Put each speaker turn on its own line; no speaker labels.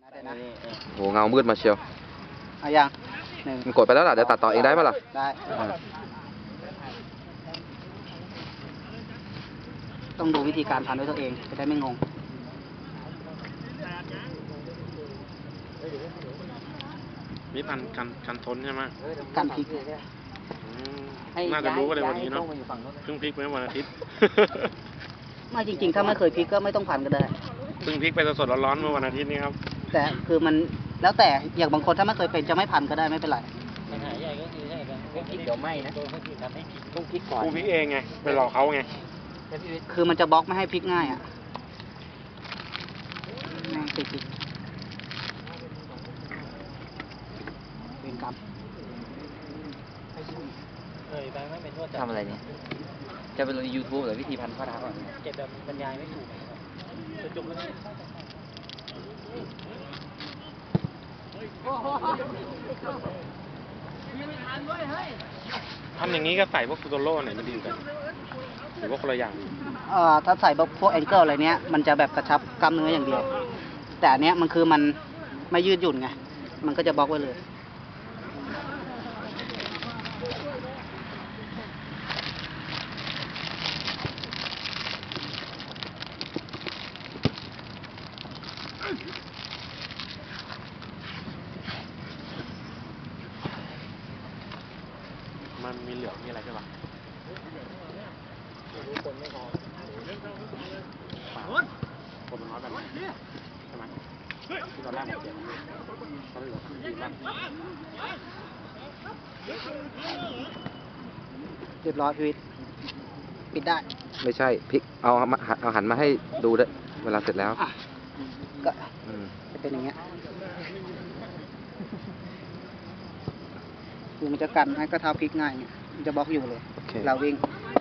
โหเงามืดมาเชียว
เอาอย่างหนึ่ง
มันกดไปแล้วล่ะเดี๋ยวตัดต่อเองได้ปะล่ะ
ได้ต้องดูวิธีการพันด้วยตัวเองจะได้ไม่งง
นี่พันกันทนใช่ไหม
การพลิก
น่าจะรู้กันเลยวันนี้เนาะเพิ่งพลิกไปวันอาทิตย์
ไม่จริงๆถ้าไม่เคยพลิกก็ไม่ต้องพันก็ได้
เพิ่งพลิกไปสดๆร้อนๆเมื่อวันอาทิตย์นี้ครับ
แต่คือมันแล้วแต่อย่างบางคนถ้าไม่เคยเป็นจะไม่พันก็ได้ไม่เป็นไร
ปัญหาใหญ่ก็คือใช่ไหมพลิกเดี๋ยวไหม้นะทำให้ต้องพลิกก่อน
กูพลิกเองไงไปหลอกเขาไง
คือมันจะบล็อกไม่ให้พลิกง่ายอ่ะติดเป็นกรรม
ทำอะไรเนี่ยจะไปลงใน YouTube หรือวิธีพันข้อเท้าก่อนเก็บแบบบรรยายไม่ถูกจบแล้ว
ทำอย่างนี้ก็ใส่พวกฟูโตโร่ไหนมันดีกันหรือว่าคนละอย่าง
ถ้าใส่พวกแองเกิลอะไรเนี้ยมันจะแบบกระชับกล้ามเนื้ออย่างเดียวแต่อันเนี้ยมันคือมันไม่ยืดหยุ่นไงมันก็จะบล็อกไว้เลย
มันมีเหลืองมีอะไรใช่ปะคนไม่พอคนมันน้อยไปใช่ไหมที่ตอนแรกผมเจ็บตอนเหลือดีมาก
เรียบร้อยพีวิทปิดได้
ไม่ใช่พลิกเอาหันมาให้ดูด้วยเวลาเสร็จแล้ว
ก็จะเป็นอย่างเงี้ยคือมันจะกันให้กระเท้าพลิกง่ายเนี่ยมันจะบล็อกอยู่เลยเราวิ่ง